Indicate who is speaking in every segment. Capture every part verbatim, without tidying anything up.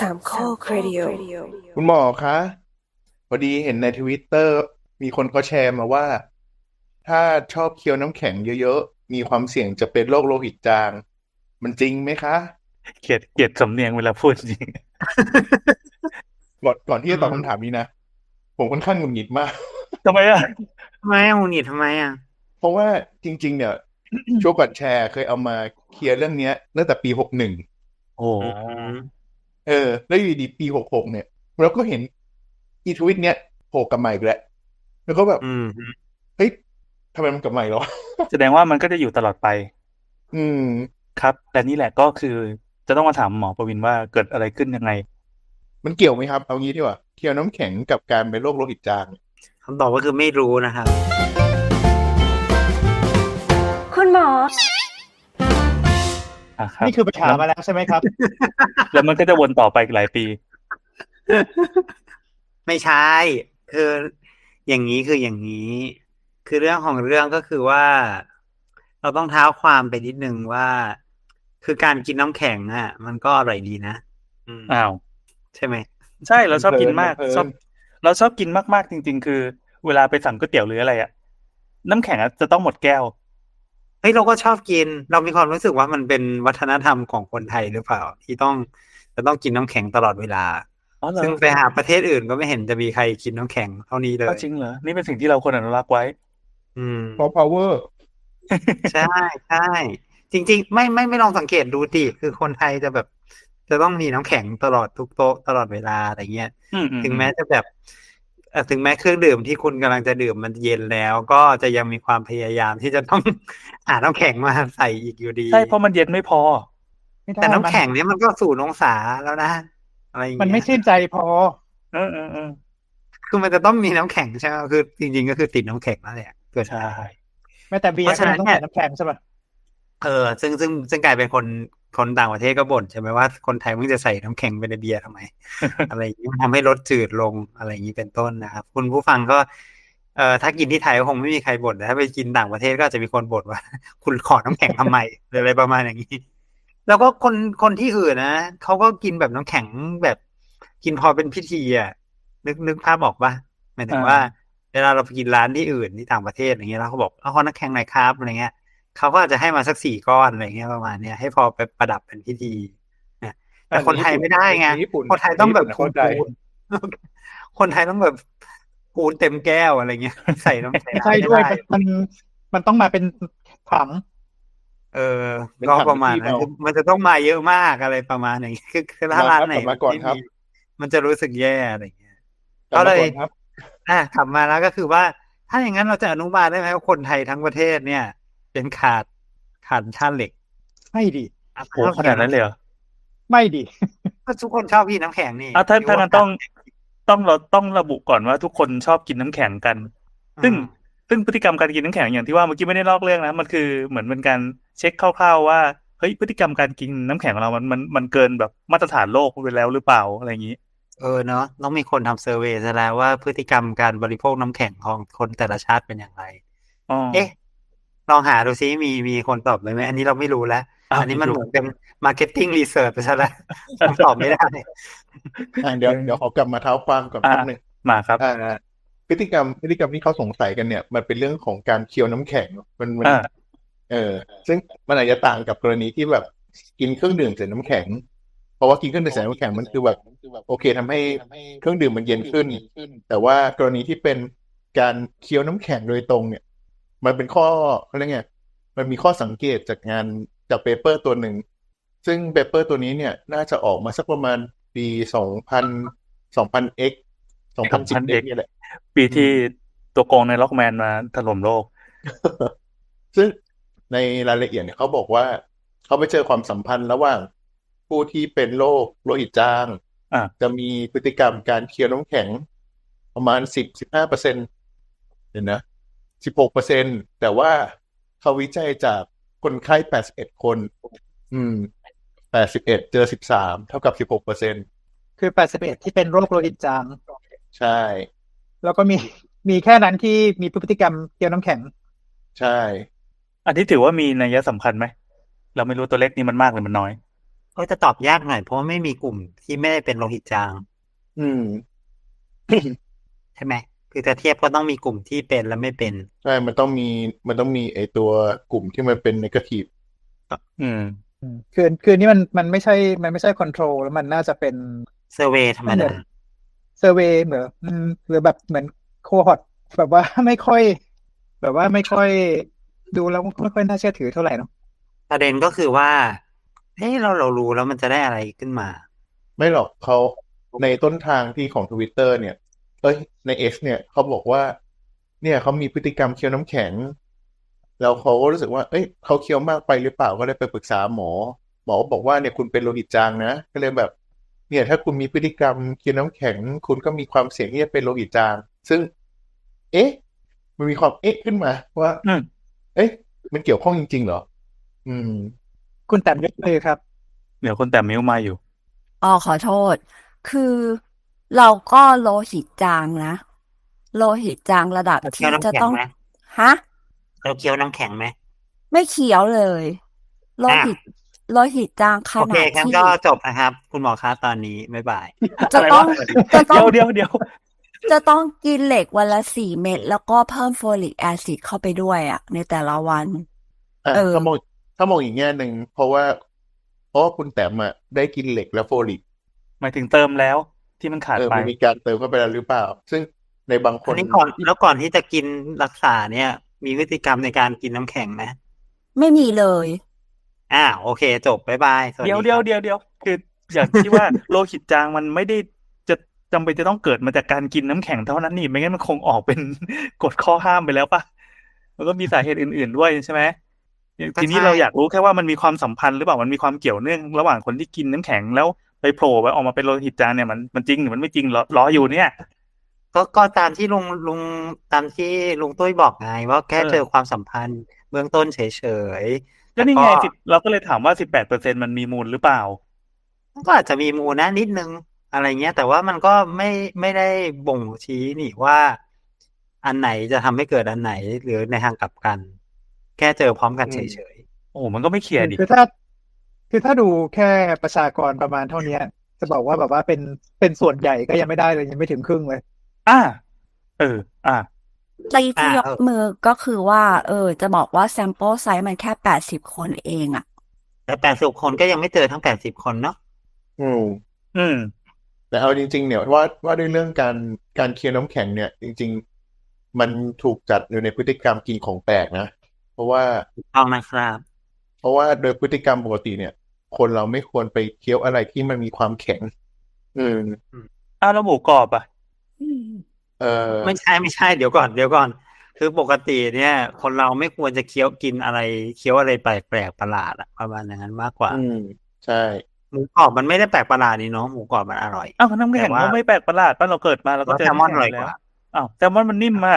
Speaker 1: สามข้อครดิโอ
Speaker 2: คุณหมอคะพอดีเห็นในทวิตเตอร์มีคนเขาแชร์มาว่าถ้าชอบเคี้ยวน้ำแข็งเยอะๆมีความเสี่ยงจะเป็นโรคโลหิตจางมันจริงไหมคะ
Speaker 3: เกลียดเกลียดสำเนียงเวลาพูดจริง
Speaker 2: ก่อนก่อนที่
Speaker 4: อื
Speaker 2: จะตอบ
Speaker 4: ม
Speaker 2: คำถามนี้นะผมค่อนข้างหงุดหงิดมาก
Speaker 3: ทำไมอ่ะ
Speaker 4: ทำไมอ่ะหงุดหงิดทำไมอ่ะ
Speaker 2: เพราะว่าจริงๆเนี่ยช่วงก่อนแชร์เคยเอามาเคลียร์เรื่องเนี้ยตั้งแต่ปีหกหนึ่ง
Speaker 3: โอ้
Speaker 4: อืม
Speaker 2: เออแล้วอยู่ดีปีหกหกเนี่ยเราก็เห็นอีทวิตเนี้ยโผล่กลับมาอีกแล้วแล้วก็แบบ
Speaker 4: อืม
Speaker 2: เฮ้ยทำไมมันกลับมาอีกแล้ว
Speaker 3: แสดงว่ามันก็จะอยู่ตลอดไป
Speaker 2: อืม
Speaker 3: ครับและนี่แหละก็คือจะต้องมาถามหมอประวินว่าเกิดอะไรขึ้นยังไง
Speaker 2: มันเกี่ยวไหมครับเอางี้ดีกว่าเคี่ยวน้ำแข็งกับการเป็นโรคโลหิตจาง
Speaker 4: คำตอบก็คือไม่รู้นะครับ
Speaker 1: คุณหมอ
Speaker 3: อ่ะครับ
Speaker 5: นี่คือไปถามมาแล้วใช่ไหมครับ
Speaker 3: แล้วมันก็จะวนต่อไปอีกหลายปี
Speaker 4: ไม่ใช่คืออย่างนี้คืออย่างนี้ คือเรื่องของเรื่องก็คือว่า เราต้องเท้าความไปนิดนึงว่า คือการกินน้ำแข็งอ่ะ มันก็อร่อยดีนะอืม
Speaker 3: อ้าว
Speaker 4: ใช่ไหม
Speaker 3: ใช่เราชอบ
Speaker 2: เพลิ
Speaker 3: กิน
Speaker 2: นมันเพลิ
Speaker 3: มากชอบ
Speaker 2: น
Speaker 3: เราชอบกินมากๆจริงๆคือเวลาไปสั่งก๋วยเตี๋ยวหรืออะไรอ่ะน้ำแข็งอะจะต้องหมดแก้ว
Speaker 4: เฮ้ยเราก็ชอบกิน เรามีความรู้สึกว่ามันเป็นวัฒนธรรมของคนไทยหรือเปล่า ที่ต้องจะต้องกินน้ำแข็งตลอดเวลา
Speaker 3: อ๋อเหรอ
Speaker 4: ซึ่งไปหาประเทศอื่นก็ไม่เห็นจะมีใครกินน้ำแข็งเท่านี้เล
Speaker 3: ก็
Speaker 4: ย
Speaker 3: จริงเหรอนี่เป็นสิ่งที่เราควรอนุรักษ์ไว้
Speaker 4: อืม
Speaker 2: เพราะ power
Speaker 4: ใช่ใช่จริงๆไม่ไม่ไม่ลองสังเกตดูดิคือคนไทยจะแบบจะต้องมีน้ำแข็งตลอดทุกโต๊ะตลอดเวลาอะไรเงี้ย
Speaker 3: อืมอืม
Speaker 4: ถึง
Speaker 3: อืม
Speaker 4: แม้จะแบบเอ่อถึงแม้เครื่องดื่มที่คุณกำลังจะดื่มมันเย็นแล้วก็จะยังมีความพยายามที่จะต้องหาน้ำแข็งมาใส่อีกอยู่ดี
Speaker 3: ใช่เพราะมันเย็นไม่พอ
Speaker 5: ไม่ได้
Speaker 4: แต่น้ำ
Speaker 5: มัน
Speaker 4: แข็งเนี้ยมันก็ศูนย์องศาแล้วนะอะไรอย่าง
Speaker 5: มัน
Speaker 4: เงี้ย
Speaker 5: ไม่ชื่นใจพอ
Speaker 3: เออเออเออ
Speaker 4: คือมันจะต้องมีน้ำแข็งใช่ไหมคือจริงๆก็คือติดน้ำแข็งนั่นแหละเกิน
Speaker 3: ใช่
Speaker 4: ไป
Speaker 5: แม้แต่เบี
Speaker 4: เพ
Speaker 5: ยร์ก็
Speaker 4: ราะฉะนั้นเนี่ย
Speaker 5: ยังต้องใส่น้ำแข็งใช่ป่ะ
Speaker 4: เออซึ่งซึ่งซึ่งกลายเป็นคนคนต่างประเทศก็บ่นใช่ไหมว่าคนไทยมึงจะใส่น้ำแข็งไปในเบียร์ทำไม อะไรอย่างนี้มันทำให้รสจืดลงอะไรอย่างนี้เป็นต้นนะครับคุณผู้ฟังก็เอ่อถ้ากินที่ไทยก็คงไม่มีใครบ่นแต่ถ้าไปกินต่างประเทศก็อาจจะมีคนบ่นว่า คุณขอน้ำแข็งทำไมหรืออะไรประมาณอย่างนี้แล้วก็คนคนที่อื่นนะเขาก็กินแบบน้ำแข็งแบบกินพอเป็นพิธีอ่ะนึกนึกภาพออกป่ะหมายถึ
Speaker 3: อ่
Speaker 4: งว่า
Speaker 3: า
Speaker 4: เวลาเราไปกินร้านที่อื่นที่ต่างประเทศอย่างเงี้ยแล้วเขาบอกเอาขอน้ำแข็งหน่อยครับอะไรเงี้ย เขาก็อาจจะให้มาสักสี่ก้อนอะไรเงี้ยประมาณเนี้ยให้พอไปประดับเป็นพิธีนะแต่
Speaker 2: อัน
Speaker 4: คนไท
Speaker 2: ในญี่ปุ่น
Speaker 4: ยไม่ได้ไง
Speaker 2: ในญี่ปุ่น
Speaker 4: คนไทย
Speaker 2: ในญี่
Speaker 4: ต้องแบบ
Speaker 2: ปุ่นนะเข้าใจ
Speaker 4: พูนพูนคนไทยต้องแบบพูนเต็มแก้วอะไรเงี้ยใส่น้ำแข็ง
Speaker 5: ไม่ใช่
Speaker 4: ไม่ได้
Speaker 5: ด้วยมันมันมันต้องมาเป็นถัง
Speaker 4: เออ
Speaker 2: เป็น
Speaker 4: ก็
Speaker 2: ถัง
Speaker 4: ประมาณ
Speaker 2: ที่เอา
Speaker 4: นั้นคือมันจะต้องมาเยอะมากอะไรประมาณอย่างเงี้ยคือคือถ้า
Speaker 2: มา
Speaker 4: ร้านไหน
Speaker 2: ครับกลับมาก่อน
Speaker 4: ไม่มี
Speaker 2: ครับ
Speaker 4: มันจะรู้สึกแย่อะไรเงี้ย
Speaker 2: กลับมา
Speaker 4: ก็เลย
Speaker 2: ก่อนครับ
Speaker 4: อ่ะกลับมาแล้วก็คือว่าถ้าอย่างนั้นเราจะอนุบาลได้ไหมว่าคนไทยทั้งประเทศเนี่ยเป็นขาดขาดธาตุเหล็ก
Speaker 5: ไม่ดิ
Speaker 4: อ่ะ
Speaker 3: โห
Speaker 4: ต้อง
Speaker 3: ข
Speaker 4: กินน้ำแข็ง
Speaker 3: นาดนั้นเลยเหรอ
Speaker 5: ไม่ดิ
Speaker 4: ก็ทุกคนชอบกินน้ำแข็งนี่
Speaker 3: อ่ะถ้า
Speaker 4: หรือว่า
Speaker 3: ถ้างั้นต้องต้องเราต้องระบุก่อนว่าทุกคนชอบกินน้ำแข็งกัน
Speaker 4: อื
Speaker 3: ซึ่ง
Speaker 4: ม
Speaker 3: ซึ่งพฤติกรรมการกินน้ำแข็งอย่างที่ว่าเมื่อกี้ไม่ได้ลอกเรื่องนะมันคือเหมือนเป็นการเช็คคร่าวๆว่าเฮ้ยพฤติกรรมการกินน้ำแข็งของเรามันมันมันเกินแบบมาตรฐานโลกไปแล้วหรือเปล่าอะไรอย่างนี้
Speaker 4: เออเนาะต้องมีคนทำเซอร์เวย์ซะแล้วว่าพฤติกรรมการบริโภคน้ำแข็งของคนแต่ละชาติเป็นอย่างไร
Speaker 3: อ๋อ
Speaker 4: เอ๊ะลองหาดูซิมีมีคนตอบไหมไหมอันนี้เราไม่รู้แล้ว
Speaker 3: อ้าว
Speaker 4: อันนี้
Speaker 3: ไม่รู้
Speaker 4: มันเหมือนเป็นมาร์เก็ตติ้งรีเสิร์ชไปซะแล้วผมตอบไม่ได้
Speaker 2: อ่าเดี๋ยวเดี๋ยวขอกลับมาเท้าความก่อน
Speaker 3: อ่า
Speaker 2: แป๊บหนึง
Speaker 3: มาครับ
Speaker 2: อ่าพฤติกรรมพฤติกรรมที่เขาสงสัยกันเนี่ยมันเป็นเรื่องของการเคี้ยวน้ำแข็งมันมัน
Speaker 3: อ่า
Speaker 2: เออซึ่งมันอาจจะต่างกับกรณีที่แบบกินเครื่องดื่มใส่น้ำแข็งเพราะว่ากินเครื่องดื่มใส่น้ำแข็งมันคือแบบโอเคทำให้เครื่องดื่มมันเย็นขึ้นแต่ว่ากรณีที่เป็นการเคี้ยวน้ำแข็งโดยตรงเนี่ยมันเป็นข้อเขาเรียกไงมันมีข้อสังเกตจากงานจากเปเปอร์ตัวหนึ่งซึ่งเปเปอร์ตัวนี้เนี่ยน่าจะออกมาสักประมาณปีสองพันสองพันเอ็กสองพันสิบเอ็ก
Speaker 3: สองพันเอก
Speaker 2: นี่แหละ
Speaker 3: ปีที่
Speaker 2: อืม
Speaker 3: ตัวโกงในล็อกแมนมาถล่มโลก
Speaker 2: ซึ่งในรายละเอียดเนี่ยเขาบอกว่าเขาไปเจอความสัมพันธ์ระหว่างผู้ที่เป็นโรคโลหิตจาง
Speaker 3: อ่า
Speaker 2: จะมีพฤติกรรมการเคี้ยวน้ำแข็งประมาณสิบสิบห้าเปอร์เซ็นต์เห็นนะสิบหกเปอร์เซ็นต์แต่ว่าเขาวิจัยจากคนไข้แปดสิบเอ็ดคนอืมแปดสิบเอ็ดเจอสิบสามเท่ากับสิบหกเปอร์เซ็นต์
Speaker 5: คือแปดสิบเอ็ดที่เป็นโรคโลหิตจาง
Speaker 2: ใช่
Speaker 5: แล้วก็มีมีแค่นั้นที่มีพฤติกรรมเกี่ยวน้ำแข็ง
Speaker 2: ใช่
Speaker 3: อันที่ถือว่ามีนัยสำคัญไหมเราไม่รู้ตัวเลขนี้มันมากหรือมันน้อย
Speaker 4: ก็จะตอบยากหน่อยเพราะว่าไม่มีกลุ่มที่ไม่ได้เป็นโลหิตจาง
Speaker 2: อืม
Speaker 4: ใช่ไหมคือจะเทียบก็ต้องมีกลุ่มที่เป็นและไม่เป็น
Speaker 2: ใช่ มันต้องมี มันต้องมีไอตัวกลุ่มที่มันเป็น negative
Speaker 3: อืม
Speaker 5: อืมคือคือนี่มันมันไม่ใช่มันไม่ใช่คอนโทรลแล้วมันน่าจะเป็น
Speaker 4: เซอร์เวย์ธรรม
Speaker 5: มันเหมื
Speaker 4: ดา
Speaker 5: อนเซอร์เวย์เหมือนอืมหรือแบบเหมือนโคฮอตแบบว่า ไม่ค่อย แบบว่าไม่ค่อยดูแล้วไม่ค่อยน่าเชื่อถือเท่าไหร่เนาะ
Speaker 4: ประเด็นก็คือว่าเฮ้ยเราเรารู้แล้วมันจะได้อะไรขึ้นมา
Speaker 2: ไม่หรอกเขาในต้นทางที่ของ Twitter เนี่ย เอ้ย ใน X เนี่ยเขาบอกว่า เนี่ยเขามีพฤติกรรมเคี้ยวน้ำแข็ง แล้วเขาก็รู้สึกว่า เอ้ยเขาเคี้ยวมากไปหรือเปล่าก็เลยไปปรึกษาหมอ หมอบอกว่าเนี่ยคุณเป็นโลหิตจางนะ ก็เลยแบบ เนี่ยถ้าคุณมีพฤติกรรมเคี้ยวน้ำแข็ง คุณก็มีความเสี่ยงที่จะเป็นโลหิตจาง ซึ่ง เอ๊ะ มันมีความเอ๊ะขึ้นมาว่า
Speaker 3: อืม
Speaker 2: เอ๊ะ มันเกี่ยวข้องจริงๆเหรอ อืม
Speaker 5: คุณแต้มยกมือครับ
Speaker 3: เดี๋ยวคนแต่มิ้วมาอยู่
Speaker 1: อ๋อขอโทษ คือเราก็โลหิตจางนะ โลหิตจางระดับ
Speaker 4: เราเคี้ย
Speaker 1: ที่
Speaker 4: วน้ำ
Speaker 1: จะ
Speaker 4: แข็ง
Speaker 1: ต้อง
Speaker 4: ไหม
Speaker 1: ฮะ
Speaker 4: เราเคี้ยวน้ำแข็งไหม
Speaker 1: ไม่เขียวเลย โล
Speaker 4: อ่ะ
Speaker 1: หิต โลหิตจางข
Speaker 4: โอเค
Speaker 1: นาด
Speaker 4: งั้น
Speaker 1: ที่
Speaker 4: ก็จบนะครับ คุณหมอคะตอนนี้บ๊ายบาย
Speaker 1: จะ
Speaker 3: อะไร
Speaker 1: ต้อง
Speaker 3: วะ
Speaker 1: จะต้
Speaker 3: เดี๋
Speaker 1: อย ง
Speaker 3: วเดี๋ยวเดี๋ยว
Speaker 1: จะต้องกินเหล็กวันละสี่เม็ดแล้วก็เพิ่มโฟลิกแอซิดเข้าไปด้วยอ่ะ ในแต่ละวัน
Speaker 2: อ่ะ
Speaker 1: เออ
Speaker 2: ถ้ามองถ้ามองอีกแง่หนึ่งเพราะว่า เพราะว่าคุณแต้มอ่ะได้กินเหล็กและโฟลิก
Speaker 3: หมายถึงเติมแล้วที่มันขาด
Speaker 2: เออ
Speaker 3: ไป
Speaker 2: มันมีการเติมเข้าไปแล้วหรือเปล่า ซึ่งในบางค
Speaker 4: อัน
Speaker 2: น
Speaker 4: นี้ก่อนแล้วก่อนที่จะกินรักษาเนี่ย มีพฤติกรรมในการกินน้ำแข็งไหม
Speaker 1: ไม่มีเลย
Speaker 4: อ่าโอเค จบบ๊ายบายสวัส
Speaker 3: เดี๋ยว
Speaker 4: ดี
Speaker 3: เดี๋
Speaker 4: ค
Speaker 3: ยว
Speaker 4: รับ
Speaker 3: เดี๋ยวเดี๋ยวคืออย่างที่ว่า โลหิตจางมันไม่ได้จะจำเป็นจะต้องเกิดมาจากการกินน้ำแข็งเท่านั้นนี่ ไม่งั้นมันคงออกเป็น กฎข้อห้ามไปแล้วป่ะ มันก็มีสาเหตุอื่นๆด้วยใช่ไหม
Speaker 4: ก็
Speaker 3: ทีนี้
Speaker 4: ใช่
Speaker 3: เราอยากรู้แค่ว่ามันมีความสัมพันธ์หรือเปล่า มันมีความเกี่ยวเนื่องระหว่างคนที่กินน้ำแข็งแล้วไปโผล่ไปออกมาเป็นโลหิตจางเนี่ยมันมันจริงหรือมันไม่จริงรอรออยู่เนี่ย
Speaker 4: ก็ก็ตามที่ลุงลุงตามที่ลุงตุ้ยบอกไงว่าแค่
Speaker 3: เออ
Speaker 4: เจอความสัมพันธ์เบื้องต้นเฉยๆ
Speaker 3: ก็
Speaker 4: แต่
Speaker 3: นี่
Speaker 4: ก็
Speaker 3: ไงสิเราก็เลยถามว่าสิบแปดเปอร์เซ็นต์มันมีมูลหรือเปล่า
Speaker 4: ก็อาจจะมีมูลนะนิดนึงอะไรเงี้ย แต่ว่ามันก็ไม่ไม่ได้บ่งชี้นี่ว่า อันไหนจะทำให้เกิดอันไหนหรือในทางกลับกัน แค่เจอพร้อมกัน
Speaker 2: อื
Speaker 4: เฉ
Speaker 2: ม
Speaker 4: ย
Speaker 3: โอ้โหมันก็ไม่เคลียร์ดิ
Speaker 5: คือถ้า คือถ้าดูแค่ประชากรประมาณเท่านี้จะบอกว่าแบบว่าเป็นเป็นส่วนใหญ่ก็ยังไม่ได้เลยยังไม่ถึงครึ่งเลย
Speaker 3: อ่า เออ อ่า
Speaker 1: ตี
Speaker 4: ๆ
Speaker 1: ที่
Speaker 4: อ่าย
Speaker 1: ก
Speaker 4: เออ
Speaker 1: มือก็คือว่า เออ จะบอกว่า sample size มันแค่แปดสิบคนเองอ่ะ
Speaker 4: แต่แปดสิบคนก็ยังไม่เจอทั้งแปดสิบคนเนาะ
Speaker 2: อืม
Speaker 3: อืม
Speaker 2: แต่เอาจริงๆ เนี่ยว่าว่าด้วยเรื่องการการเคี้ยวน้ำแข็งเนี่ย จริง ๆ มันถูกจัดอยู่ในพฤติกรรมกินของแปลกนะ เพราะว่า
Speaker 4: ถูกต้องนะครับ
Speaker 2: เพราะว่าโดยพฤติกรรมปกติเนี่ย คนเราไม่ควรไปเคี้ยวอะไรที่มันมีความแข็ง อืม
Speaker 3: อ้าวแล้วหมูกรอบอ่ะ
Speaker 2: เออ
Speaker 4: ไม่ใช่ไม่ใช่เดี๋ยวก่อนเดี๋ยวก่อน คือปกติเนี่ย คนเราไม่ควรจะเคี้ยวกินอะไรเคี้ยวอะไรแปลกๆประหลาดอะประมาณอย่างนั้นมากกว่า
Speaker 2: อืม ใช่
Speaker 4: หมูกรอบมันไม่ได้แปลกประหลาดนี่เนาะหมูกรอบมันอร่อย
Speaker 3: อ้าวน้ำแข็ง
Speaker 4: แต่ว่า
Speaker 3: ก็ไม่แปลกประหลาดป่ะเราเกิดมาเราก็
Speaker 4: ว่า
Speaker 3: เจอ
Speaker 4: แซลมอน
Speaker 3: น้ำ
Speaker 4: อ
Speaker 3: แข็ง
Speaker 4: ร่อย
Speaker 3: อยู่
Speaker 4: ก
Speaker 3: แล้ว
Speaker 4: ว่า
Speaker 3: อ้าวแซลมอนมันนิ่มมาก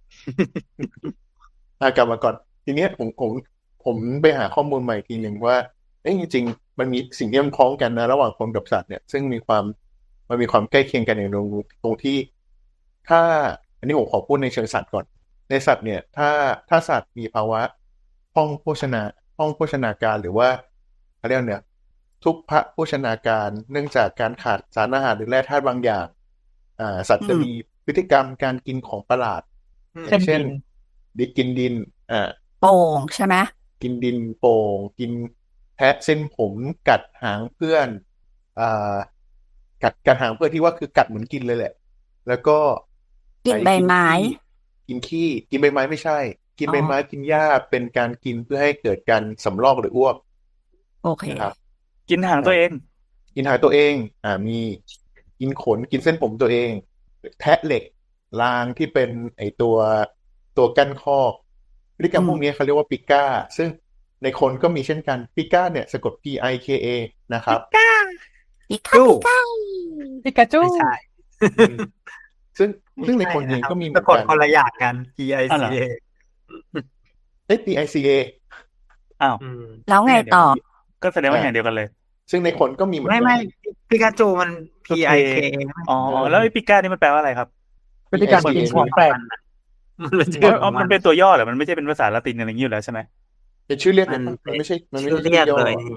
Speaker 2: อ่ะกลับมาก่อน ทีเนี้ยผมผมผมไปหาข้อมูลใหม่ทีหนึ่งว่าเอ้ยจริงๆ มันมีสิ่งที่มันคล้องกันนะ ระหว่างคนกับสัตว์เนี่ย ซึ่งมีความมันมีความใกล้เคียงกันอย่างตรงตรงที่ ถ้า อันนี้ผมขอพูดในเชิงสัตว์ก่อน ในสัตว์เนี่ย ถ้าถ้าสัตว์มีภาวะห้องโภชนาห้องโภชนาการหรือว่าเขาเรียกเนี่ย ทุพพโภชนาการ เนื่องจากการขาดสารอาหารหรือแร่ธาตุบางอย่าง อ่า สัตว์จะ
Speaker 4: อืม
Speaker 2: มีพฤติกรรมการกินของประหลาด
Speaker 4: อืม
Speaker 2: อย่างเช่น
Speaker 5: เช่นดิน
Speaker 2: ดิกินดิน อ่า
Speaker 1: โป่งใช่ไหม
Speaker 2: กินดินโป่ง กินแทะเส้นผมกัดหางเพื่อนอ่ากัดกัดหางเพื่อนที่ว่าคือกัดเหมือนกินเลยแหละ แล้วก็
Speaker 1: กิน
Speaker 2: ไอ้
Speaker 1: ใบ
Speaker 2: กิน
Speaker 1: ไม้
Speaker 2: ขี้กินขี้กินใบไม้ไม่ใช่ กิน
Speaker 1: อ๋อ
Speaker 2: ใบไม้กินหญ้าเป็นการกินเพื่อให้เกิดการสำรอกหรืออ้วก
Speaker 1: โอเค
Speaker 2: นะครับ
Speaker 3: กินหางตัวเอง
Speaker 2: กินหางตัวเอง อ่ามีกินขนกินเส้นผมตัวเอง แทะเหล็กรางที่เป็นไอตัวตัวกั้นคอกพฤติกรรม
Speaker 1: อืม
Speaker 2: พวกนี้เขาเรียกว่าปิก้า ซึ่งในคนก็มีเช่นกันปิก้าเนี่ยสะกด P I K A นะครับ
Speaker 1: ปิกาปิกา
Speaker 5: ปิกาจู
Speaker 4: ไม่ใช่
Speaker 2: อืมซึ่ง
Speaker 4: ไม่
Speaker 2: ซึ่งใน
Speaker 4: ใช่
Speaker 2: คนเอง
Speaker 4: นะครับ
Speaker 2: ก็มีเหมื
Speaker 4: สะ
Speaker 2: อน
Speaker 4: กด
Speaker 2: กัน
Speaker 4: คนละอย่างกัน P I
Speaker 3: อ๋อ
Speaker 4: C
Speaker 3: เหรอ
Speaker 4: A
Speaker 2: เอ้ย P I C A
Speaker 3: อ้าว
Speaker 4: อืม
Speaker 1: แล้วไงต่อ
Speaker 3: ก็แสดงว่า
Speaker 2: อ่า
Speaker 3: อย่างเดียวกันเลย
Speaker 2: ซึ่งในคนก็มีเหมือน
Speaker 4: ไม่
Speaker 2: กั
Speaker 4: ไม่
Speaker 2: น
Speaker 4: ปิกาจูมัน P
Speaker 3: ก็
Speaker 4: I
Speaker 3: K
Speaker 4: K
Speaker 3: อ๋อ แล้วไอ้ปิก้านี่มันแปลว่าอะไรครับ
Speaker 5: พฤติกรรม
Speaker 2: P I C A
Speaker 5: กินของแปลก
Speaker 4: มันเป็น
Speaker 3: อ๋
Speaker 4: ชื่
Speaker 3: อ
Speaker 4: อข
Speaker 3: อ๋
Speaker 4: อ
Speaker 3: อง
Speaker 4: มั
Speaker 3: มัน นเป็นตัวย่อเหรอ มันไม่ใช่เป็นภาษาละตินอะไรอย่างนี้อยู่แล้วใช่ไหม
Speaker 2: เป็นชื่อเรียกเล
Speaker 4: มั
Speaker 2: ย
Speaker 4: น
Speaker 2: ครับ
Speaker 4: เป็
Speaker 2: มัน
Speaker 4: น
Speaker 2: ไม่ใช่มันไม่
Speaker 4: ชื่อ
Speaker 2: ใช่ชื่
Speaker 4: เรียก
Speaker 2: อย่อ
Speaker 4: เลยนี่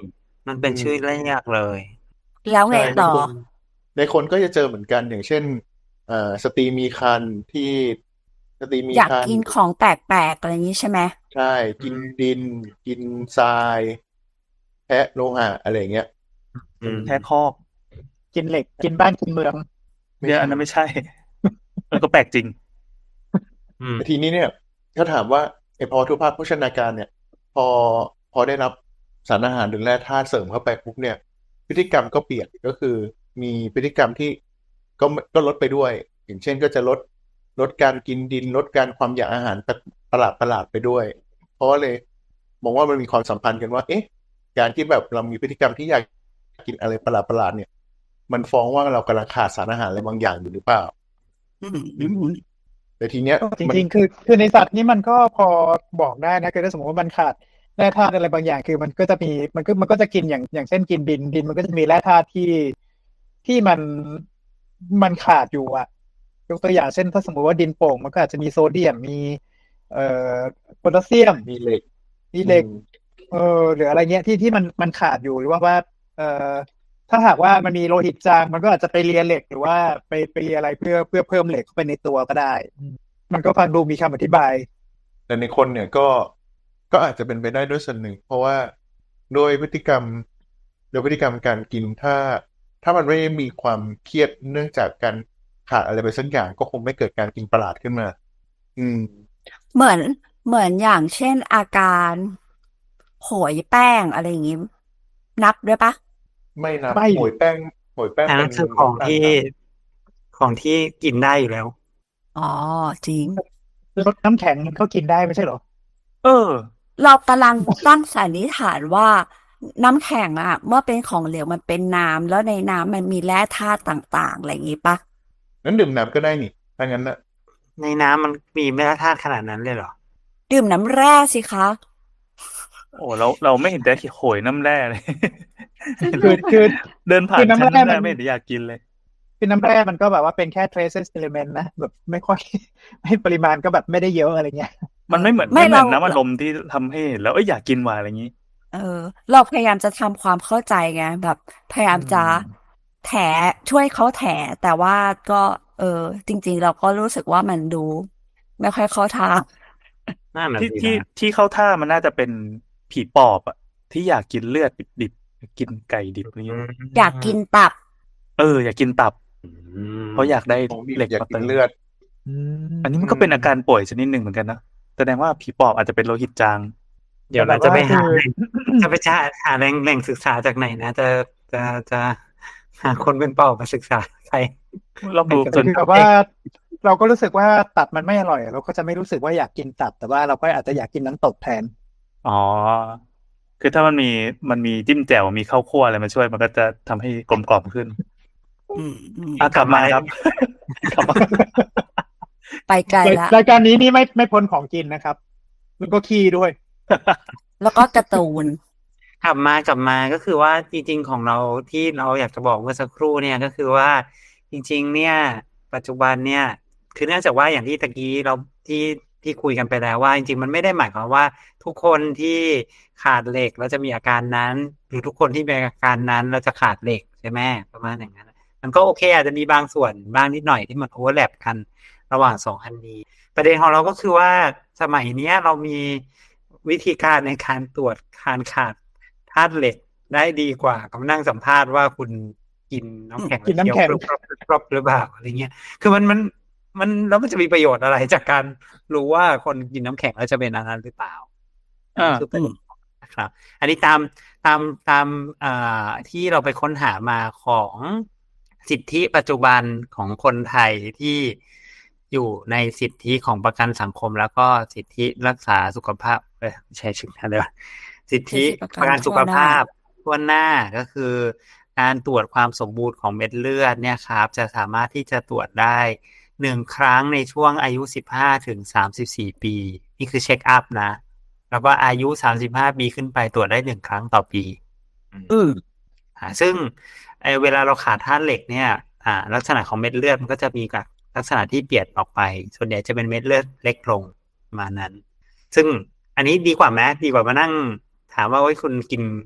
Speaker 4: มันเป็น
Speaker 2: อืม
Speaker 4: ชื่อเรียกเลย
Speaker 1: แล้วไง
Speaker 2: ใช่ใน
Speaker 1: ต่อ
Speaker 2: คนในคนก็จะเจอเหมือนกันอย่างเช่นเอ่อสตรีมีครรภ์ที่สตรีมี
Speaker 1: อยาก
Speaker 2: ครร
Speaker 1: กิน
Speaker 2: ภ์
Speaker 1: ของแปลกๆอะไรอย่างนี้ใช่ไหม
Speaker 2: ใช่กินดิน กินทรายแพะโลหะอะไรอย่างเงี้ย
Speaker 4: อืม
Speaker 3: แค่คอก
Speaker 5: กินเหล็กกินบ้านกินเมือง
Speaker 2: ไม่
Speaker 3: เดี๋ยว
Speaker 2: ใช่
Speaker 3: อันนั้นไม่ใช่ เออก็แปลกจริง
Speaker 4: อืม
Speaker 2: แต่ทีนี้เนี่ยถ้าถามว่าไอ้ภาวะทุพพโภชนาการเนี่ย พอพอได้รับสารอาหารหรือแร่ธาตุเสริมเข้าไปปุ๊บเนี่ย พฤติกรรมก็เปลี่ยนก็คือมีพฤติกรรมที่ก็ก็ลดไปด้วย อย่างเช่นก็จะลดลดการกินดิน ลดการความอยากอาหารประหลาดประหลาดไปด้วย เพราะว่าเลยมองว่ามันมีความสัมพันธ์กันว่า เอ๊ะ การที่แบบเรามีพฤติกรรมที่อยากกินอะไรประหลาดประหลาดเนี่ย มันฟ้องว่าเรากำลังขาดสารอาหารอะไรบางอย่างอยู่หรือเปล่า
Speaker 1: อืมอืม
Speaker 2: แต่ทีเนี้ย
Speaker 5: จ
Speaker 2: มัน
Speaker 5: ริงๆ คือคือในสัตว์นี่มันก็พอบอกได้นะคือถ้าสมมติว่ามันขาดแร่ธาตุอะไรบางอย่าง คือมันก็จะมีมันก็มันก็จะกินอย่างอย่างเช่นกินดินดินมันก็จะมีแร่ธาตุที่ที่มันมันขาดอยู่อ่ะยกตัวอย่างเช่นถ้าสมมติว่าดินโป่งมันก็อาจจะมีโซเดียมมีเอ่อโพแทสเซียม
Speaker 2: มีเหล็ก
Speaker 5: มีเหล็ก
Speaker 2: อืม
Speaker 5: เออหรืออะไรเงี้ยที่ที่มันมันขาดอยู่หรือว่าว่าเอ่อถ้าหากว่ามันมีโลหิตจางมันก็อาจจะไปเลียเหล็กหรือว่าไปไปเลียอะไรเพื่อเพื่อเพิ่มเหล็กเข้าไปในตัวก็ได้ มันก็ฟังดูมีคำอธิบาย
Speaker 2: แต่ในคนเนี่ยก็ก็อาจจะเป็นไปได้ด้วยส่วนหนึ่ง เพราะว่าโดยพฤติกรรมโดยพฤติกรรมการกินถ้า ถ้ามันไม่ได้มีความเครียดเนื่องจากการขาดอะไรไปสักอย่างก็คงไม่เกิดการกินประหลาดขึ้นมา อืม
Speaker 1: เหมือนเหมือนอย่างเช่นอาการโหยแป้งอะไรอย่างงี้ นับด้วยปะ
Speaker 2: ไม่นับ
Speaker 5: ไม่
Speaker 2: โหยแป้งโหยแป้ง
Speaker 4: อัน
Speaker 2: เป็
Speaker 4: นั้น นคือของ
Speaker 2: น้ำตาล
Speaker 4: ที่
Speaker 2: ต่
Speaker 4: ของที่กินได้อยู่แล้ว
Speaker 1: อ๋อจริง
Speaker 5: รสน้ำแข็งมันก็กินได้ไม่ใช่เหรอ
Speaker 3: เออ
Speaker 1: เรากำลังตั้งสันนิษฐานว่าน้ำแข็งอะเมื่อเป็นของเหลวมันเป็นน้ำแล้วในน้ำมันมีแร่ธาตุต่างๆอะไรอย่างงี้ปะ
Speaker 2: ำนั้นดื่มน้ำก็ได้นี่ถ้างั้นนะ
Speaker 4: ในน้ำมันมีแร่ธาตุขนาดนั้นเลยเหรอ
Speaker 1: ดื่มน้ำแร่สิคะ
Speaker 3: โอ้เราเราไม่เห็นแต่โหยน้ำแร่เลย
Speaker 5: คือคือ
Speaker 3: เดินผ่า
Speaker 5: คื
Speaker 3: น
Speaker 5: อน้ำ
Speaker 3: ชั้น
Speaker 5: แร่
Speaker 3: น้ำแร่
Speaker 5: มัน
Speaker 3: ไม่เห็นอยากกินเลย
Speaker 5: คือน้ำแร่มันก็แบบว่าเป็นแค่ traces element นะแบบไม่ค่อย ไม่ปริมาณก็แบบไม่ได้เยอะอะไรเงี้ย
Speaker 3: มันไม่เหมือน
Speaker 1: ไม่
Speaker 3: ไม่เหมือน
Speaker 1: เรา
Speaker 3: น้ำอัดลมที่ทำให้เห็นแล้วเอ้ยอยากกินว่ะอะไรอย่างนี้
Speaker 1: เออ เราพยายามจะทำความเข้าใจไงแบบพยายามจะแถช่วยเขาแถแต่ว่าก็ เออ จริง ๆ เราก็รู้สึกว่ามันดู ไม่ค่อยเข้าทาง
Speaker 4: น่าหนา
Speaker 3: ที่
Speaker 4: ดี
Speaker 3: ที่
Speaker 4: นะ
Speaker 3: ที่เข้าท่ามันน่าจะเป็นผีปอบอะที่อยากกินเลือดดิบๆกินไก่ดิบอะไรอย่างนี้
Speaker 1: อยากกินตับ
Speaker 3: เอออยากกินตับ
Speaker 4: อืม
Speaker 3: เพราะอยากได้
Speaker 2: ของดิบ
Speaker 3: เหล็ก
Speaker 2: อยาก
Speaker 3: มา
Speaker 2: กิ
Speaker 3: เติ
Speaker 2: น
Speaker 3: ม
Speaker 2: เลือด
Speaker 3: อันนี้มันก็เป็นอาการป่วยชนิดหนึ่งเหมือนกันนะแสดงว่าผีปอบอาจจะเป็นโลหิตจาง
Speaker 4: เดี๋ยวเราจะไปหาแหล่งจะไปหาแหล่งแหล่งศึกษาจากไหนนะ จะจะจะหาคนเป็นเป่ามาศึกษาใคร
Speaker 3: ลองดู
Speaker 5: แต่
Speaker 3: ส่วน
Speaker 5: คือแบบว่า เราก็รู้สึกว่าตับมันไม่อร่อย เราก็จะไม่รู้สึกว่าอยากกินตับ แต่ว่าเราก็อาจจะอยากกินน้ำตกแทน
Speaker 3: อ๋อ คือถ้ามันมีมันมีจิ้มแจ่วมีข้าวคั่วอะไรมาช่วยมันก็จะทำให้กลมกล่อมขึ้น
Speaker 1: อืมอืม
Speaker 3: อ่ะกลับมาครับ กลับมา
Speaker 1: ไปไกลละ
Speaker 5: รายการนี้นี่ไม่ไม่พ้นของกินนะครับ แล้วก็ขี้ด้วย
Speaker 1: แล้วก็การ์ตูน
Speaker 4: กลับมากลับมาก็คือว่าจริงๆของเราที่เราอยากจะบอกเมื่อสักครู่เนี่ยก็คือว่าจริงๆเนี่ยปัจจุบันเนี่ยคือเนื่องจากว่าอย่างที่ตะกี้เราที่ที่คุยกันไปแล้วว่าจริงๆมันไม่ได้หมายความว่าทุกคนที่ขาดเหล็กแล้วจะมีอาการนั้น หรือทุกคนที่มีอาการนั้นเราจะขาดเหล็กใช่ไหมประมาณอย่างนั้นมันก็โอเคอาจจะมีบางส่วนบ้างนิดหน่อยที่มันโอเวอร์แลปกันระหว่างสองอันนี้ประเด็นของเราก็คือว่าสมัยเนี้ยเรามีวิธีการในการตรวจการขาดธาตุเหล็กได้ดีกว่ากับนั่งสัมภาษณ์ว่าคุณกินน้ำแข็ง
Speaker 5: กินน้ำแข็ง
Speaker 4: ล้วเคี้ยวกรอบๆหรือเปล่าอะไรเงี้ยคือมันมันมันแล้วมันจะมีประโยชน์อะไรจากการรู้ว่าคนกินน้ำแข็งแล้วจะเป็นอันนั้นหรือเปล่า
Speaker 3: อ่า
Speaker 4: คือประเด็นนะครับ อันนี้ตามตามตามอ่าที่เราไปค้นหามาของสิทธิปัจจุบันของคนไทยที่อยู่ในสิทธิของประกันสังคม แล้วก็สิทธิรักษาสุขภาพเอ้ยไม่ใช่ชื่ออะไรวะสิทธิประกันสุขภาพทั่วหน้าก็คือการตรวจความสมบูรณ์ของเม็ดเลือดเนี่ยครับจะสามารถที่จะตรวจได้หนึ่งครั้งในช่วงอายุสิบห้าถึงสามสิบสี่ปีนี่คือเช็คอัพนะแล้วก็อายุสามสิบห้าปีขึ้นไปตรวจได้หนึ่งครั้งต่อปีอืมอ่าซึ่งไอเวลาเราขาดธาตุเหล็กเนี่ยอ่าลักษณะของเม็ดเลือดมันก็จะมีกับลักษณะที่เปลี่ยนออกไปส่วนใหญ่จะเป็นเม็ดเลือดเล็กลงประมาณนั้นซึ่งอันนี้ดีกว่าไหมดีกว่ามานั่งถามว่าโอ้ยคุณกิน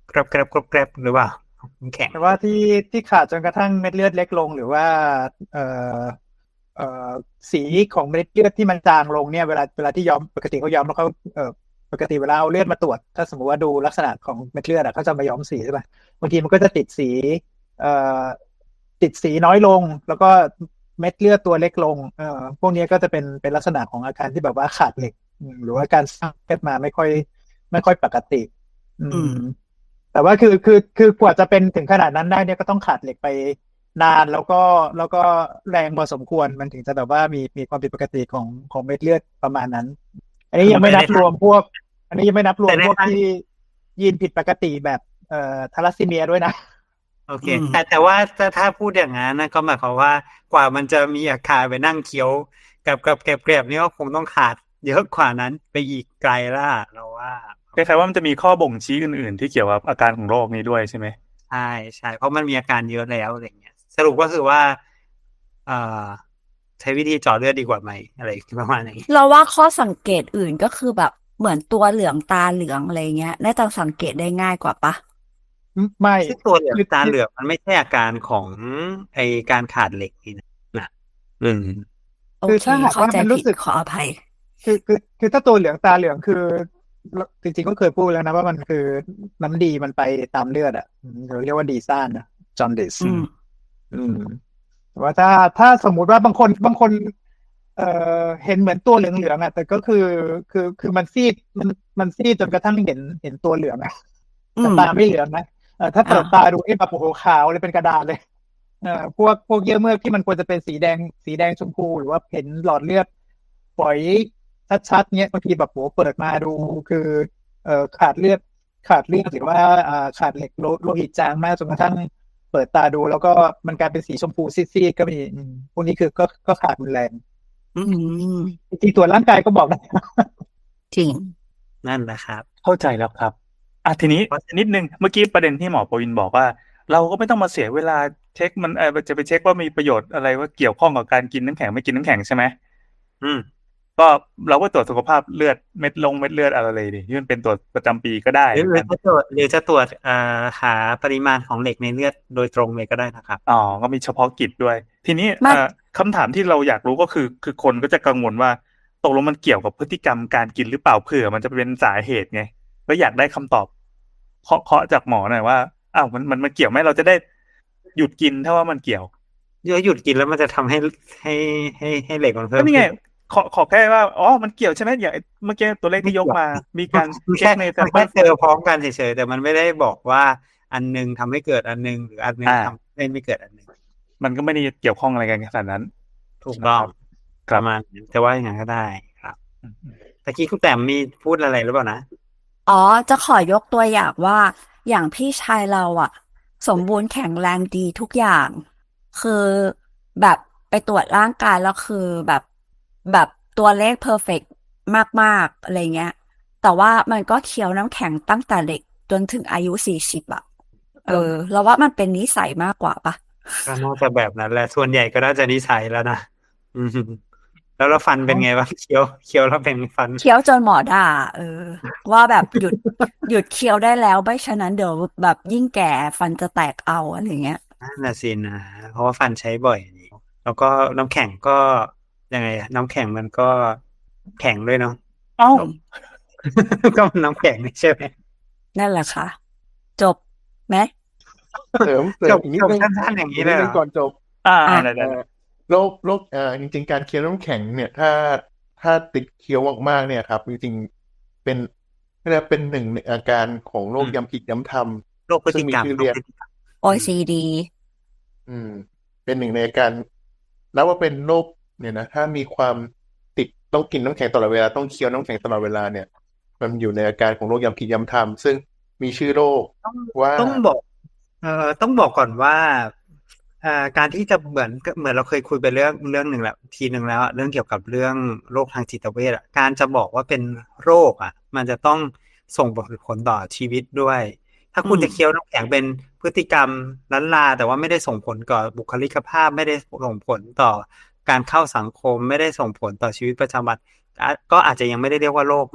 Speaker 4: กรบกรบกรบกรบหรือเปล่าน้ำแข็ง
Speaker 5: แต่ว่าที่ที่ขาดจนกระทั่งเม็ดเลือดเล็กลงหรือว่าเอ่อเอ่อสีของเม็ดเลือดที่มันจางลงเนี่ยเวลาเวลาที่ย้อมปกติเขาย้อมแล้วเขาเอ่อปกติเวลาเอาเลือดมาตรวจถ้าสมมติว่าดูลักษณะของเม็ดเลือดอะเขาจะมาย้อมสีใช่ป่ะบางทีมันก็จะติดสีเอ่อติดสีน้อยลงแล้วก็เม็ดเลือดตัวเล็กลงเอ่อพวกนี้ก็จะเป็นเป็นลักษณะของอาการที่แบบว่าขาดเหล็กอืมหรือว่าการสร้างเลือดมาไม่ค่อยไม่ค่อยปกติ อื
Speaker 1: อืม
Speaker 5: ม แต่ว่าคือคือคือกว่าจะเป็นถึงขนาดนั้นได้เนี่ยก็ต้องขาดเหล็กไปนานแล้วก็แล้วก็แรงพอสมควรมันถึงจะแบบว่ามีมีความผิดปกติของของเม็ดเลือดประมาณนั้น อันนี้ยังไม่นับรวมพวก อันนี้ยังไม่นับรวม
Speaker 4: แต่ใน
Speaker 5: พวก
Speaker 4: ทาง
Speaker 5: ที่ยีนผิดปกติแบบเอ่อทาลัสซีเมียด้วยนะ
Speaker 4: โอเค
Speaker 1: อืม
Speaker 4: แต่แต่ว่าถ้าถ้าพูดอย่างนั้นนะก็หมายความว่ากว่ามันจะมีอาการไปนั่งเคี้ยวกับกับแกรบๆนี่ก็คงต้องขาดเยอะกว่านั้นไปอีกไกลล่ะเราว่า
Speaker 3: คล้ายๆว่ามันจะมีข้อบ่งชี้อื่น ๆ ที่เกี่ยวกับอาการของโรคนี้ด้วยใช่ไหม
Speaker 4: ใช่ใช่เพราะมันมีอาการเยอะแล้วอะไรเงี้ยสรุปก็คือว่าเอ่อใช้วิธีเจาะเลือดดีกว่าไหมอะไรประมาณนี้
Speaker 1: เราว่าข้อสังเกตอื่นก็คือแบบเหมือนตัวเหลืองตาเหลืองอะไรเงี้ยน่าจะสังเกตได้ง่ายกว่าปะ
Speaker 5: ไม่
Speaker 4: ซึ่งตัวเหลือง
Speaker 5: คือ
Speaker 4: ตาเหลืองมันไม่ใช่อาการของไอการขาดเหล็กนี่นะนะอืม
Speaker 1: โอ
Speaker 5: คือ
Speaker 1: เค
Speaker 5: ถ้าหาก
Speaker 1: เข้า
Speaker 5: ว่า
Speaker 1: ใจ
Speaker 5: มัน
Speaker 1: ผิ
Speaker 5: รู้
Speaker 1: ด
Speaker 5: สึก
Speaker 1: ขออภัย
Speaker 5: คือคือคือถ้าตัวเหลืองตาเหลืองคือจริงๆก็เคยพูดแล้วนะว่ามันคือน้ำดีมันไปตามเลือดอ่ะอืมเราเรียกว่าดีซ่านนะจอนดิส
Speaker 1: อืม
Speaker 5: อืมแต่ว่าถ้าถ้าสมมุติว่าบางคนบางคน เอ่อเห็นเหมือนตัวเหลืองๆอ่ะแต่ก็คือคือคือมันซีดมันมันซีดจนกระทั่งเห็นเห็นตัวเหลืองอ่ะ
Speaker 1: อื
Speaker 5: แต่
Speaker 1: ม
Speaker 5: ตาไม่เหลืองนะเออถ้าเปิ
Speaker 1: อ่า
Speaker 5: ดตาดูเอ๊ะแบบโอ้โหขาวเลยเป็นกระดาษเลยเอ่อพวกพวกเยื่อเมือกที่มันควรจะเป็นสีแดงสีแดงชมพูหรือว่าเห็นหลอดเลือดฝอยชัดๆเนี้ยบางทีแบบโหเปิดมาดูคือเอ่อขาดเลือดขาดเลือดหรือว่าอ่าขาดเหล็กโลโลหิตจางมากจนกระทั่งเปิดตาดูแล้วก็มันกลายเป็นสีชมพูซีดๆก็มีอืมพวกนี้คือก็ก็ขาดรุนแรง
Speaker 1: อืม
Speaker 5: จริงๆตรวจร่างกายก็บอกได้
Speaker 1: จริง
Speaker 4: นั่นแหละครับ
Speaker 3: เข้าใจแล้วครับอ่ะทีนี้
Speaker 4: เพราะ
Speaker 3: นิดนึงเมื่อกี้ประเด็นที่หมอปวินบอกว่า เราก็ไม่ต้องมาเสียเวลาเช็คมันเออจะไปเช็คว่ามีประโยชน์อะไรว่าเกี่ยวข้องกับการกินน้ำแข็งไม่กินน้ำแข็งใช่ไหม
Speaker 4: อืม
Speaker 3: ก็เราก็ตรวจสุขภาพเลือดเม็ดลงเม็ดเลือดอะไรเลยดิที่มันเป็นตรวจประจำปีก็ได้
Speaker 4: หรือ
Speaker 3: เห
Speaker 4: ห
Speaker 3: มื
Speaker 4: รือ
Speaker 3: อนกัน
Speaker 4: จะตรวจหรือจะตรวจเอ่อหาปริมาณของเหล็กในเลือดโดยตรงเลยก็ได้นะครับ
Speaker 3: อ๋อก็มีเฉพาะกิจด้วย ทีนี้
Speaker 1: ไม่
Speaker 3: เอ่อคำถามที่เราอยากรู้ก็คือ คือคนก็จะกังวลว่าตกลงมันเกี่ยวกับพฤติกรรมการกินหรือเปล่าเผื่อมันจะเป็นสาเหตุไงก็อยากได้คำตอบเคาะเคาะจากหมอหน่อยว่าอ้าวมันมันมันเกี่ยวไหมเราจะได้หยุดกินถ้าว่ามันเกี่ยว
Speaker 4: เยอะหยุดกินแล้วมันจะทำให้ให้ให้ให้เหล็กมันเพิ่
Speaker 3: ก็
Speaker 4: ม
Speaker 3: นี่ไง
Speaker 4: ขึ้น
Speaker 3: ขอขอแค่ว่าอ๋อมันเกี่ยวใช่ไหมอย่างไอ้เมื่อกี้ตัวเลขที่ยกมา มีการ
Speaker 4: มัน
Speaker 3: เช็
Speaker 4: แค่
Speaker 3: คในแซ
Speaker 4: มั
Speaker 3: ม
Speaker 4: น
Speaker 3: เปิ
Speaker 4: แค่
Speaker 3: ล
Speaker 4: เจอพร้อมกันเฉยๆแต่มันไม่ได้บอกว่าอันหนึงทำให้เกิดอันหนึงหรืออันหนึง
Speaker 3: อ่า
Speaker 4: ทำให้ไม่เกิดอันหนึง
Speaker 3: มันก็ไม่ได้เกี่ยวข้องอะไรกันขนาดนั้น
Speaker 4: ถูกต้อง
Speaker 3: ครั
Speaker 4: ป
Speaker 3: บ
Speaker 4: ระมาณนั้นจะว่าอย่างนั้นก็ได้ครับ
Speaker 3: อืม
Speaker 4: ตะกี้คุณแต้มมีพูดอะไรหรือเปล่านะ
Speaker 1: อ๋อ จะขอยกตัวอย่างว่า อย่างพี่ชายเราอะสมบูรณ์แข็งแรงดีทุกอย่าง คือแบบไปตรวจร่างกายแล้วคือแบบแบบตัวเลขเพอร์เฟกต์มากๆอะไรเงี้ย แต่ว่ามันก็เคี้ยวน้ำแข็งตั้งแต่เด็กจนถึงอายุสี่สิบอะเออเราว่ามันเป็นนิสัยมากกว่าปะ
Speaker 4: ก็น่าจะแบบนั้นแหละส่วนใหญ่ก็น่าจะนิสัยแล้วนะอืมแล้วเราฟันเป็นไงบ้างเคี้ยวเคี้ยวแล้วเป็นฟัน
Speaker 1: เคี้ยวจนหมอด่า เออ ว่าแบบหยุด หยุดเคี้ยวได้แล้วไม่ฉะนั้นเดี๋ยวแบบยิ่งแก่ฟันจะแตกเอาอะไรเงี้ย
Speaker 4: นั่นน่ะสินะเพราะว่าฟันใช้บ่อยนี่แล้วก็น้ำแข็งก็ยังไงอะน้ำแข็งมันก็แข็งด้วยเนาะ
Speaker 3: เอ้า
Speaker 4: ก็มันน้ำแข็งนี่ใช่ไหม
Speaker 1: นั่นแหละค่ะ จบไหม
Speaker 2: เสริมเสริ
Speaker 4: จ
Speaker 2: ม
Speaker 4: บ
Speaker 2: อีกนิด
Speaker 4: จบ
Speaker 2: นึง
Speaker 4: สั้นๆอย่างนี้
Speaker 2: อีก
Speaker 4: เล
Speaker 2: นิด
Speaker 4: ยเหร
Speaker 2: นึ
Speaker 4: อง
Speaker 2: ก่อนจบ
Speaker 3: อ่า
Speaker 1: อ่ะ
Speaker 3: ได้ได้
Speaker 2: เอ่อโรคโรคเอ่อจริง ๆ การเคี้ยวน้ำแข็งเนี่ย ถ้าถ้าติดเคี้ยวมากๆเนี่ยครับจริงๆเป็นเรียกว่าเป็นหนึ่งในอาการของโรคย้ำคิดย้ำท
Speaker 4: โรคพฤ
Speaker 2: ำซึ่
Speaker 4: ติ
Speaker 2: งมี
Speaker 4: กรรม
Speaker 2: ชื่อ
Speaker 4: โรค
Speaker 2: เรียก
Speaker 4: พฤติกรรม
Speaker 1: โอ ซี ดี
Speaker 2: อืม เป็นหนึ่งในอาการแล้วว่าเป็นโรคเนี่ยนะถ้ามีความติดต้องกินน้ำแข็งตลอดเวลาต้องเคี้ยวน้ำแข็งตลอดเวลาเนี่ย มันอยู่ในอาการของโรคย้ำคิดย้ำทำซึ่งมีชื่อโรค
Speaker 4: ต้อง
Speaker 2: ว่า
Speaker 4: ต้องบอก เอ่อต้องบอกก่อนว่าอ่าการที่จะเหมือนเหมือนเราเคยคุยไปเรื่องเรื่องหนึ่งแล้วทีหนึ่งแล้วอะเรื่องเกี่ยวกับเรื่องโรคทางจิตเวชอะการจะบอกว่าเป็นโรคอ่ะ มันจะต้องส่งผลต่อชีวิตด้วย ถ้าคุณ
Speaker 1: อืม
Speaker 4: จะเคี้ยวน้ำแข็งเป็นพฤติกรรมล้านลา แต่ว่าไม่ได้ส่งผลต่อบุคลิกภาพ ไม่ได้ส่งผลต่อการเข้าสังคม ไม่ได้ส่งผลต่อชีวิตประจำวันอ่ะก็อาจจะยังไม่ได้เรียกว่าโรคนะ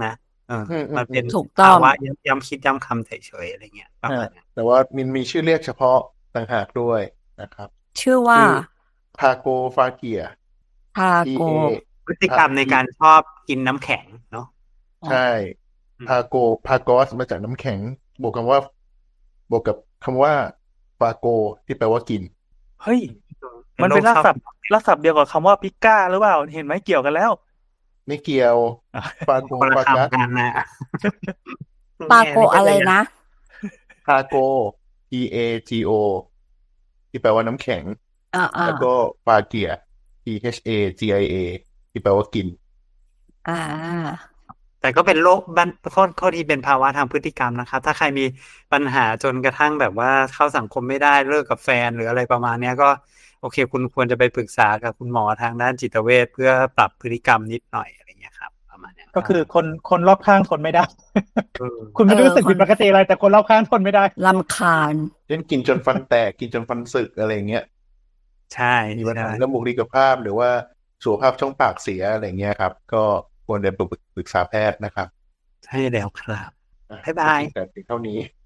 Speaker 4: เออ
Speaker 2: อืมอืม
Speaker 4: มันเป็น
Speaker 1: ถูกต้อ
Speaker 4: ภาง วะย้ำย้ำคิดย้ำคำเฉยๆอะไรเงี้ยประมาณนั้น
Speaker 2: แต่ว่ามันมีชื่อเรียกเฉพาะต่างหากด้วยนะครับ
Speaker 1: ชื่อว่า
Speaker 2: ชื่อพาโกฟาเกีย
Speaker 1: พา
Speaker 2: P
Speaker 1: โก
Speaker 2: A
Speaker 4: พฤติกรรมในการชอบกินน้ำแข็งเนาะ
Speaker 2: ใช่
Speaker 4: อืม
Speaker 2: พาโกพากอสมาจากน้ำแข็ง บวกคำว่า บวกกับคำว่าฟาโกที่แปลว่ากิน
Speaker 3: เฮ้ย มันเป็นรากศัพท์รากศัพท์เดียวกับคำว่าปิก้าหรือเปล่า เห็นไหมเกี่ยวกันแล้ว
Speaker 2: ไม่เกี่ยว
Speaker 3: อ่ะ
Speaker 2: ฟาโก
Speaker 4: คนละ
Speaker 2: ฟากัส
Speaker 4: คำกันนะ
Speaker 1: ปาโกอะไรนะ
Speaker 2: พาโก P A G O ที่แปลว่าน้ำแข็ง
Speaker 1: อ่าอ่า
Speaker 2: แล้วก็ฟาเกีย P H A G I A ที่แปลว่ากิน
Speaker 1: อ่า
Speaker 4: แต่ก็เป็นโรคบ้านข้อข้อที่เป็นภาวะทางพฤติกรรมนะครับ ถ้าใครมีปัญหาจนกระทั่งแบบว่าเข้าสังคมไม่ได้เลิกกับแฟนหรืออะไรประมาณเนี้ยก็โอเค คุณควรจะไปปรึกษากับคุณหมอทางด้านจิตเวชเพื่อปรับพฤติกรรมนิดหน่อยอะไรเงี้ยครับ ประมาณเนี้ย
Speaker 5: ก็คือคนคนรอบข้างทนไม่ได้
Speaker 4: เออ
Speaker 5: คุณไม่ได้รู้สึก
Speaker 1: เออ
Speaker 5: ผิดปกติอะไร แต่คนรอบข้างทนไม่ได้
Speaker 1: ลำคาญ
Speaker 2: เช่นกินจนฟันแตก กินจนฟันสึกอะไรเงี้ย
Speaker 4: ใช่
Speaker 2: มีปัญหา
Speaker 4: ใช่
Speaker 2: เรื่องบุคลิกภาพหรือว่าสุขภาพช่องปากเสียอะไรเงี้ยครับ ก็ควรเดินไปปรึกษาแพทย์นะครับ
Speaker 4: ใช่แล้วครับ
Speaker 2: อ่ะ
Speaker 4: บ๊ายบาย
Speaker 2: แต่เพียงเท่านี้